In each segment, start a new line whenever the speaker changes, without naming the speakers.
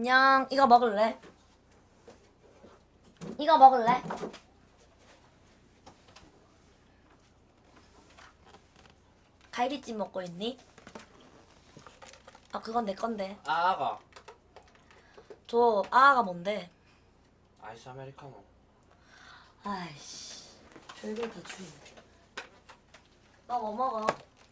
안녕. 이거 먹을래? 이거 먹을래? 갈비찜 먹고 있니? 아, 그건 내 건데.
아가
저 아가 뭔데?
아이스 아메리카노.
아이씨, 별걸 다 주네. 너 뭐 먹어?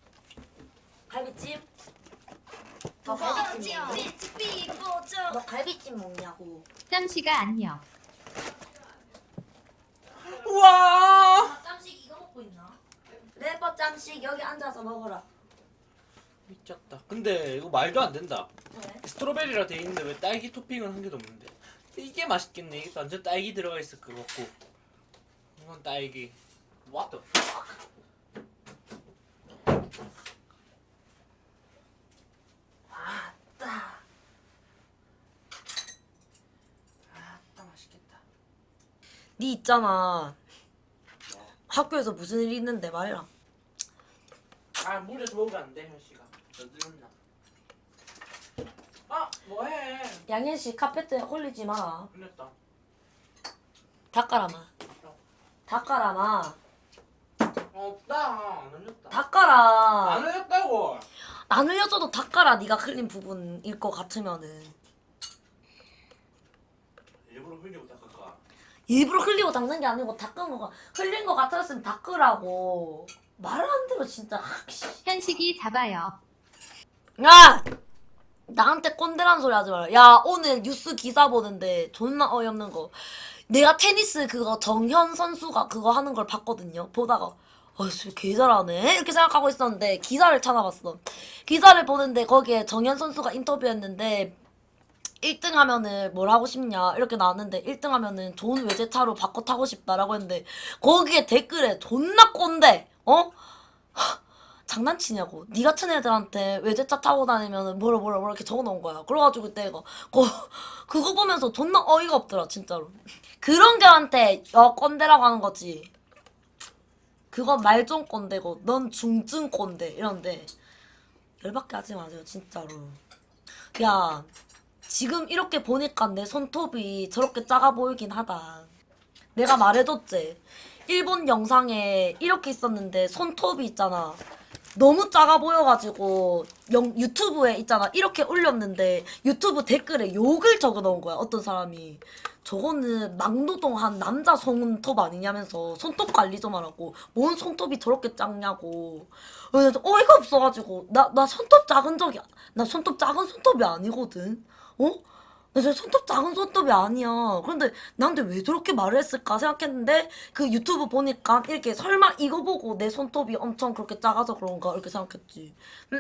갈비찜? 너 갈비찜 먹냐? 너 갈비찜 먹냐고.
짬씨가 안녕.
우와
아, 짬식 이거 먹고 있나? 래퍼 짬식 여기 앉아서 먹어라.
미쳤다. 근데 이거 말도 안 된다.
왜?
스트로베리라 돼 있는데 왜 딸기 토핑은 한 개도 없는데? 이게 맛있겠네. 이게 완전 딸기 들어가 있을 것 같고. 이건 딸기. What the fuck?
아따.
아따 맛있겠다.
니 있잖아. 학교에서 무슨 일 있는데 말해라.
아 물에서 먹으면 안 돼, 현씨가. 너들었나? 아 뭐해?
양현 씨 카페트에 홀리지 마.
흘렸다.
닦아라마. 닦아라마.
없다. 안 흘렸다.
닦아라.
안 흘렸다고.
안 흘려줘도 닦아라. 네가 흘린 부분일 것 같으면은.
일부러 흘리고 닦을까?
일부러 흘리고 닦는 게 아니고 닦은 거가 흘린 거 같았으면 닦으라고. 말 안 들어 진짜.
현식이 잡아요.
야! 나한테 꼰대란 소리 하지 마라. 야, 오늘 뉴스 기사 보는데 존나 어이없는 거. 내가 테니스 그거 정현 선수가 그거 하는 걸 봤거든요. 보다가 씨, 개 잘하네 이렇게 생각하고 있었는데 기사를 찾아봤어. 기사를 보는데 거기에 정현 선수가 인터뷰했는데 1등 하면은 뭘 하고 싶냐 이렇게 나왔는데 1등 하면은 좋은 외제차로 바꿔 타고 싶다라고 했는데 거기에 댓글에 존나 꼰대. 어? 장난치냐고. 니 같은 애들한테 외제차 타고 다니면은 뭐라 이렇게 적어놓은 거야. 그래가지고 내가 그거 보면서 존나 어이가 없더라 진짜로. 그런 걔한테 꼰대라고 하는 거지. 그건 말종 꼰대고 넌 중증 꼰대 이런데 열받게 하지 마세요 진짜로. 야, 지금 이렇게 보니까 내 손톱이 저렇게 작아 보이긴 하다. 내가 말해줬지. 일본 영상에 이렇게 있었는데 손톱이 있잖아. 너무 작아 보여가지고 유튜브에 있잖아. 이렇게 올렸는데 유튜브 댓글에 욕을 적어놓은 거야. 어떤 사람이. 저거는 막노동한 남자 손톱 아니냐면서 손톱 관리 좀 하라고. 뭔 손톱이 저렇게 작냐고. 그래서 어이가 없어가지고 나 손톱 작은 적이 나 손톱 작은 손톱이 아니거든. 어? 나 진짜 손톱 작은 손톱이 아니야. 그런데 나한테 왜 저렇게 말을 했을까 생각했는데 그 유튜브 보니까 이렇게 설마 이거 보고 내 손톱이 엄청 그렇게 작아서 그런가 이렇게 생각했지.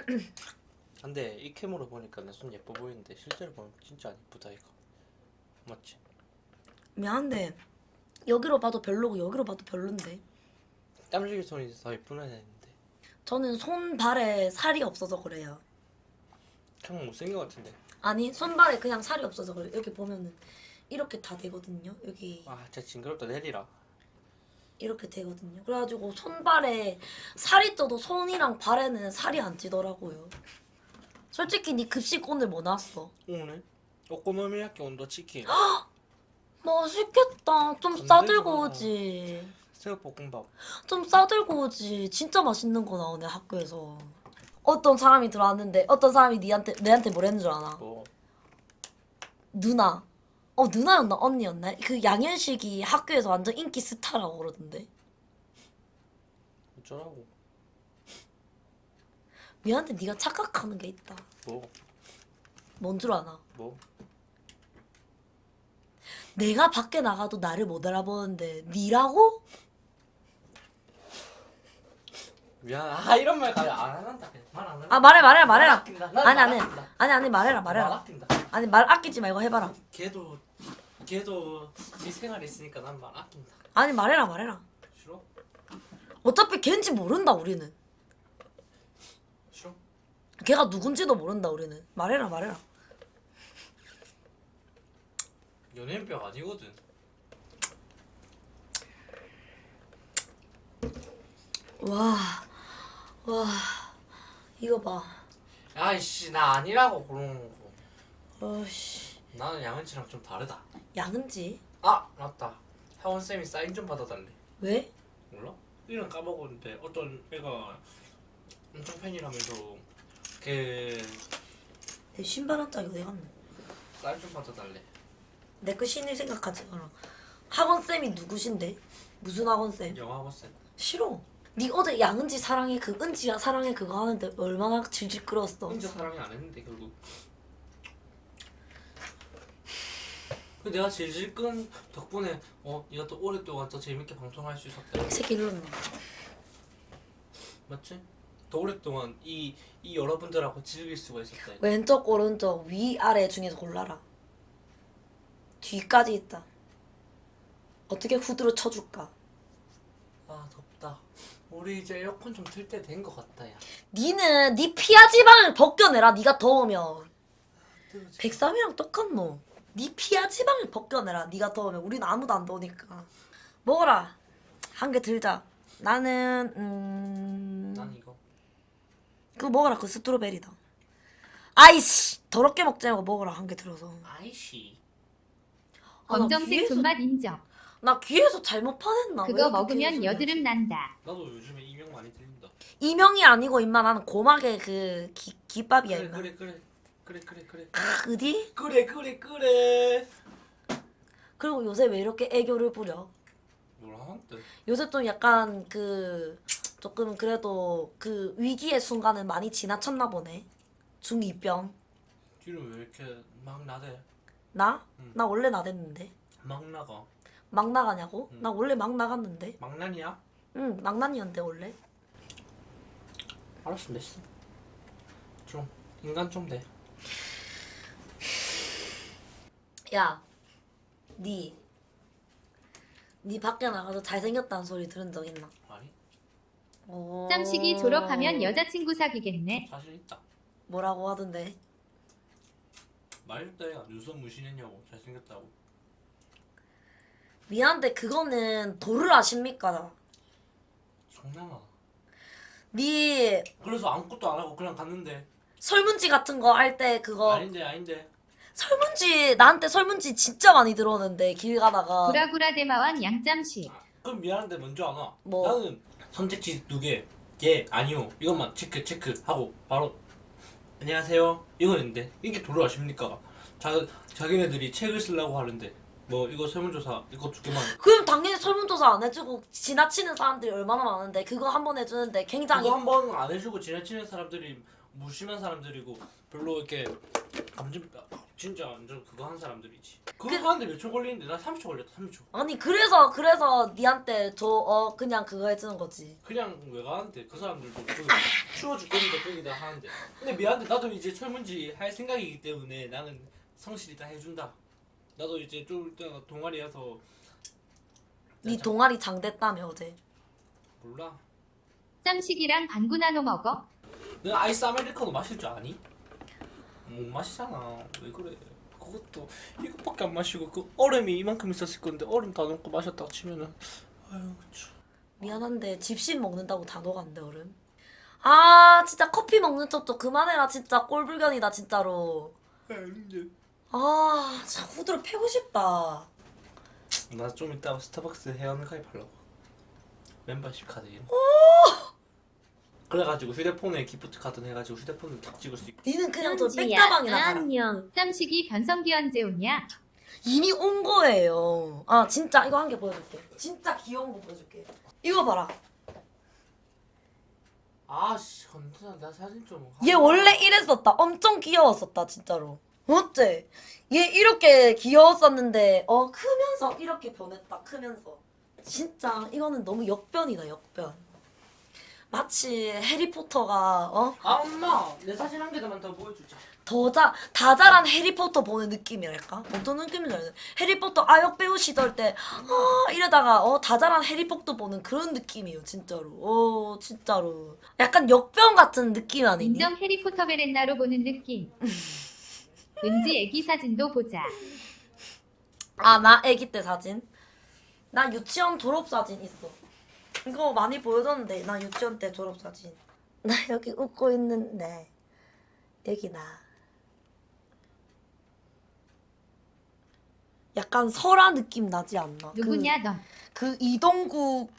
근데 이 캠으로 보니까 내 손 예뻐 보이는데 실제로 보면 진짜 안 예쁘다 이거. 맞지?
미안한데 여기로 봐도 별로고 여기로 봐도 별론데.
땀식이 손이 더 예쁘나 했는데
저는 손발에 살이 없어서 그래요.
참 못생긴 것 같은데.
아니 손발에 그냥 살이 없어서 그래요. 이렇게 보면은 이렇게 다 되거든요. 여기
아 진짜 징그럽다. 내리라.
이렇게 되거든요. 그래가지고 손발에 살이 쪄도 손이랑 발에는 살이 안 찌더라고요. 솔직히 니 급식 오늘 뭐 나왔어?
오늘 오코노미야키 온도 치킨
맛있겠다. 좀
건들지
싸들고
마.
오지.
새우볶음밥.
좀 싸들고 오지. 진짜 맛있는 거 나오네 학교에서. 어떤 사람이 들어왔는데 어떤 사람이 내한테 뭐랬는 줄 아나?
뭐
누나. 누나였나 언니였나? 그 양현식이 학교에서 완전 인기 스타라고 그러던데.
어쩌라고.
미안한데 네가 착각하는 게 있다.
뭐
뭔 줄 아나?
뭐.
내가 밖에 나가도 나를 못 알아보는데 니라고?
미안. 아 이런 말 가려 안 한다. 그냥 말 안 한다.
아 말해라.
말 아낀다. 난
아니
말
아니
아낀다.
아니 말해라.
말 아낀다.
아니 말 아끼지 말고 해봐라.
걔도 지 생활 있으니까 난 말 아낀다.
아니 말해라.
싫어?
어차피 걘지 모른다 우리는.
싫어?
걔가 누군지도 모른다 우리는. 말해라.
연예인병 아니거든.
와 이거 봐.
아이씨 나 아니라고 그러는 거.
아씨
나는 양은치랑 좀 다르다.
양은지?
아 맞다. 하원 쌤이 사인 좀 받아달래.
왜?
몰라? 이름 까먹었는데 어떤 애가 엄청 팬이라면서 걔
내 신발 한 짝이 어디 갔노?
사인 좀 받아달래.
내 거 신일 생각하지 마라. 학원쌤이 누구신데? 무슨 학원쌤?
영화학원 쌤.
싫어. 니 어제 양은지 사랑해 그 은지야 사랑해 그거 하는데 얼마나 질질 끌었어.
혼자 사랑이 안 했는데 결국. 그 내가 질질 끈 덕분에 네가 또 오랫동안 더 재밌게 방송할 수 있었다.
이 새끼 일로 나.
맞지? 더 오랫동안 이 여러분들하고 즐길 수가 있었다.
왼쪽 오른쪽 위 아래 중에서 골라라. 뒤까지 있다. 어떻게 후드로 쳐줄까?
아 덥다. 우리 이제 에어컨 좀 틀 때 된 것 같다 야.
니는 니 피하 지방을 벗겨내라. 니가 더우면. 백삼이랑 똑같노. 니 피하 지방을 벗겨내라. 니가 더우면. 우린 아무도 안 더우니까. 먹어라. 한 개 들자. 나는
난 이거.
그거 먹어라. 그 스트로베리다. 아이씨 더럽게 먹지 말고 먹어라. 한 개 들어서.
아이씨.
아, 나
검정색
귀에서-
존맛 인정.
나 귀에서 잘못 파냈나? 왜
그거
이렇게
먹으면
귀에서
여드름 난다.
나도 요즘에 이명 많이 들린다.
이명이 아니고 임마 나는 고막에 그 기밥이야 임마.
그래.
어디?
그래.
그리고 요새 왜 이렇게 애교를 부려?
뭐라 하는데?
요새 좀 약간 그 조금 그래도 그 위기의 순간은 많이 지나쳤나 보네. 중2병.
뒤로 왜 이렇게 막 나대?
나?
응.
나 원래 나댔는데.
막 나가.
막 나가냐고?
응.
나 원래 막 나갔는데.
막난이야?
응, 막난이었는데 원래.
알았어 됐어. 좀 인간 좀 돼.
야, 니 밖에 나가서 잘생겼다는 소리 들은 적 있나?
아니
짬식이 졸업하면 여자친구 사귀겠네.
사실 있다.
뭐라고 하던데?
말했다 야. 눈썹 무신했냐고. 잘생겼다고.
미안한데 그거는 도를 아십니까?
장난아.
니
그래서 아무것도 안 하고 그냥 갔는데.
설문지 같은 거 할 때 그거
아닌데.
설문지 나한테 설문지 진짜 많이 들어오는데 길 가다가
구라구라 대마왕 양짬식.
그럼 미안한데 먼저 안 와.
뭐?
나는 선택지 2개. 예, 아니요. 이것만 체크 하고 바로 안녕하세요. 이거였는데 이게 도를 아십니까? 자기네들이 책을 쓰려고 하는데 뭐 이거 설문조사 이거 2개만.
그럼 당연히 설문조사 안 해주고 지나치는 사람들이 얼마나 많은데 그거 한 번 해주는데 굉장히
그거 한 번 안 해주고 지나치는 사람들이 무심한 사람들이고 별로 이렇게 진짜 완전 그거 한 사람들이지. 그거 하는데 몇 초 걸리는데 나 30초 걸렸다. 30초.
아니 그래서 니한테 그냥 그거 해주는 거지.
그냥 왜 가는데 그 사람들도 추워 죽겠는데 거기다 하는데. 근데 미안한데 나도 이제 설문지 할 생각이기 때문에 나는 성실히 다 해준다. 나도 이제 좀 이따가 동아리에서
니 동아리 장됐다며 어제.
몰라.
짬식이랑 반구 나눠 먹어.
너 아이스 아메리카노 마실 줄 아니? 못 마시잖아. 왜 그래? 그것도 이것밖에 안 마시고 그 얼음이 이만큼 있었을 건데 얼음 다 넣고 마셨다고 치면은 아유 참.
미안한데 집신 먹는다고 다 녹았는데 얼음. 아 진짜 커피 먹는 척도 그만해라 진짜 꼴불견이다 진짜로. 아 진짜 후드를 패고 싶다.
나 좀 이따가 스타벅스 회원 가입하려고. 멤버십 카드 이름. 그래가지고 휴대폰에 기프트 카드 해가지고 휴대폰을 탁 찍을 수 있고.
니는 그냥 저 백다방이나 가라.
안녕. 짬식이 변성기 언제 오냐?
이미 온 거예요. 아 진짜 이거 한 개 보여줄게. 진짜 귀여운 거 보여줄게. 이거 봐라.
아씨 건드나 나 사진 좀.
얘 원래 이랬었다. 엄청 귀여웠었다 진짜로. 어째? 얘 이렇게 귀여웠었는데 크면서 이렇게 변했다. 크면서. 진짜 이거는 너무 역변이다 역변. 마치 해리포터가
아 엄마 내 사진 한 개만 더 보여주자.
다 자란 해리포터 보는 느낌이랄까? 어떤 느낌인지 알지? 해리포터 아역 배우 시절 때 이러다가 다 자란 해리포터 보는 그런 느낌이에요 진짜로. 진짜로 약간 역변 같은 느낌 아니니?
인정 해리포터 베렌나로 보는 느낌. 은지 애기 사진도 보자.
아 나 애기 때 사진? 나 유치원 졸업 사진 있어. 이거 많이 보여줬는데 나 유치원 때 졸업 사진. 나 여기 웃고 있는데 여기 나. 약간 설아 느낌 나지 않나?
누구냐 넌?
그 이동국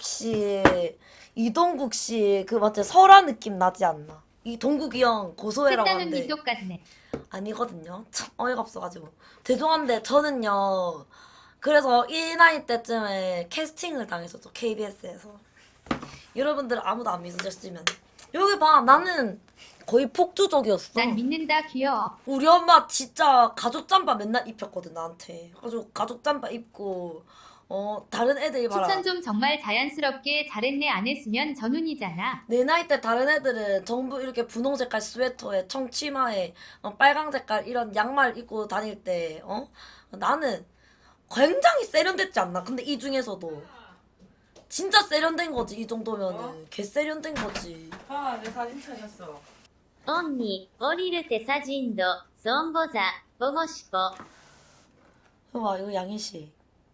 씨 그 맞지? 설아 느낌 나지 않나? 이동국이 형 고소해라고
셋다는
하는데
니 똑같네.
아니거든요. 참 어이가 없어가지고 죄송한데 저는요. 그래서 이 나이 때쯤에 캐스팅을 당했었죠. KBS에서. 여러분들 아무도 안 믿으셨으면 여기 봐 나는 거의 폭주족이었어.
난 믿는다 귀여워.
우리 엄마 진짜 가죽 잠바 맨날 입혔거든 나한테. 가지고 가죽 잠바 입고 다른 애들이 봐라.
추천 좀 정말 자연스럽게 잘했네 안 했으면 전운이잖아.
내 나이 때 다른 애들은 전부 이렇게 분홍 색깔 스웨터에 청치마에 빨강 색깔 이런 양말 입고 다닐 때 나는 굉장히 세련됐지 않나? 근데 이 중에서도 진짜 세련된 거지 이 정도면은 개 세련된 거지.
아, 내 사진 찾았어.
언니, 降りる手사진도孫悟座、보고 싶어.
봐 이거 양희 씨.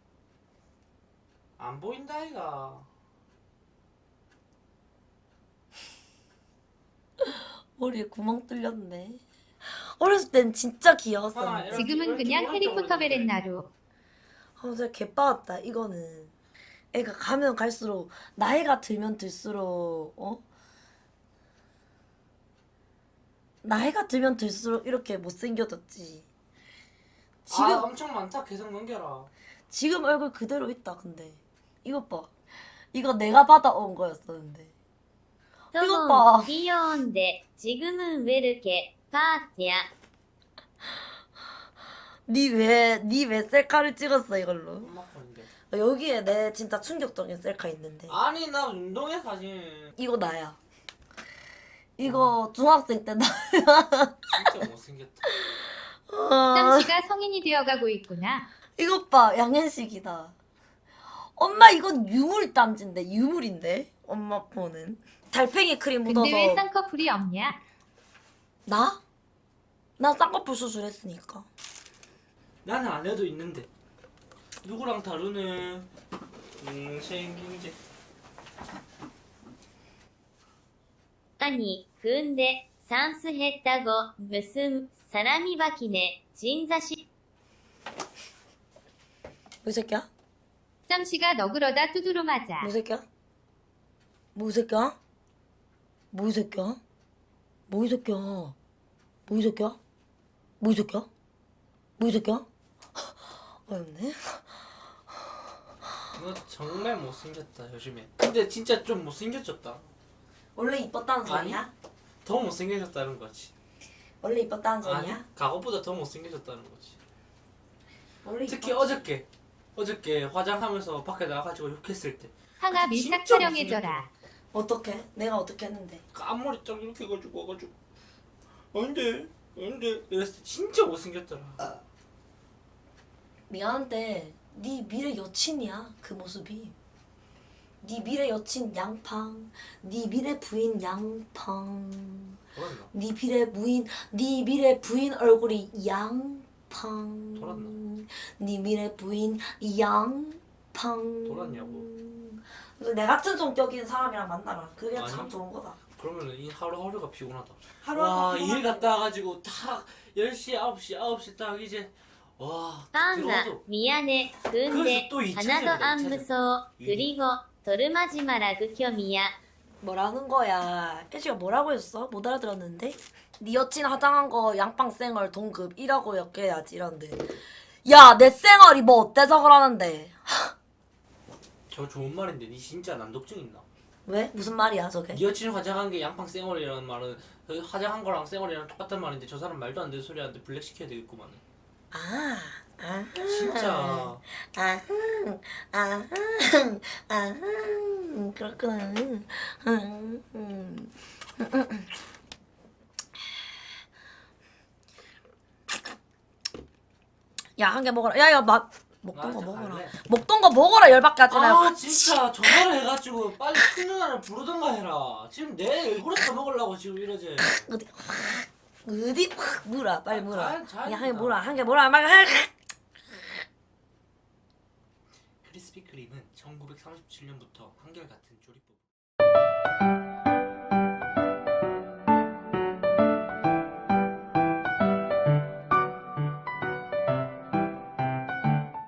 안 보인다 이가.
머리에 구멍 뚫렸네. 어렸을 땐 진짜 귀여웠었는데.
아,
지금은 그냥 해리포터 베렌나루.
진짜 개빠았다 이거는. 애가 가면 갈수록 나이가 들면 들수록 나이가 들면 들수록 이렇게 못생겨졌지. 지금
엄청 많다. 계속 넘겨라.
지금 얼굴 그대로 있다 근데 이것 봐. 이거 내가 받아온 거였었는데. 이것 봐.
トモン、귀여운데 지금은 왜 이렇게 파티야?
니 왜 셀카를 찍었어 이걸로?
엄마 거인데.
여기에 내 진짜 충격적인 셀카 있는데.
아니 나 운동회 사진
이거 나야. 이거 중학생 때 나.
진짜 못생겼다.
짬씨가 성인이 되어가고 있구나.
이것 봐 양현식이다. 엄마 이건 유물 땀진데 유물인데 엄마 폰은 달팽이 크림 묻어서.
근데 왜 쌍꺼풀이 없냐?
나? 나 쌍꺼풀 수술했으니까.
나는 안 해도 있는데 누구랑 다루네. 생긴 게.
아니, 근데 산수 했다고 무슨 사람이 바뀌네. 진자시.
뭐 이 새끼야?
짬씨가 너 그러다 두드러 맞아.
뭐 이 새끼야? 뭐 이 새끼야? 뭐 이 새끼야? 뭐 이 새끼야? 뭐 이 새끼야? 뭐 이 새끼야? 뭐 이 새끼야? 어렵네.
너 정말 못생겼다 요즘에. 근데 진짜 좀 못생겨졌다.
원래 이뻤다는 소리야?
더 못생겨졌다는 거지.
원래 이뻤다는
아니
소리야?
과거보다 더 못생겨졌다는 거지.
원래
특히
이뻤지.
어저께 화장하면서 밖에 나가가지고 욕했을 때
항아 밀착
진짜
촬영해줘라.
어떻게? 내가 어떻게 했는데?
앞머리 딱 이렇게 해가지고 와가지고 안돼 이랬을 때 진짜 못생겼더라.
미안한데 네 미래 여친이야 그 모습이. 네 미래 여친 양팡, 네 미래 부인 양팡,
돌았나?
네 미래 부인 얼굴이 양팡.
돌았나?
네 미래 부인 양팡.
돌았냐고.
그래서 내 같은 성격인 사람이랑 만나라. 그게
아니.
참 좋은 거다.
그러면은 이 하루하루가 피곤하다.
하루하루가
와,
피곤하다.
일 갔다 와가지고 딱 10시 9시 딱 이제 와 딱
딴다,
들어와도
미안해. 근데
그래서 또
하나도 안
2차전이다,
무서워. 그리고 도르마지 마라 극혐이야.
뭐라는 거야? 혜지가 뭐라고 했어? 못 알아들었는데? 네 여친 화장한 거 양빵 쌩얼 동급 1하고 엮여야지 이런데. 야, 내 쌩얼이 뭐 어때서 그러는데?
저 좋은 말인데 니 진짜 난독증 있나?
왜? 무슨 말이야 저게?
니 여친 화장한 게 양팡 쌩얼이라는 말은 그 화장한 거랑 쌩얼이랑 똑같단 말인데 저 사람 말도 안 되는 소리 하는데 블랙 시켜야 되겠구만.
아, 아,
진짜
아, 아, 아, 그렇구나. 야, 한 개 먹어라. 야, 먹던 거
나 진짜
먹어라.
갈래.
먹던 거 먹어라. 열받게 하지 말고.
아 진짜 전화를 해가지고 빨리 큰 누나를 부르던가 해라. 지금 내 얼굴에 써먹으려고 지금 이러지.
어디 확 물어. 빨리 물어.
잘
야, 한 개
물어.
물어. 한 개 물어. 막
크리스피 크림은 1937년부터 한결같은 조리법.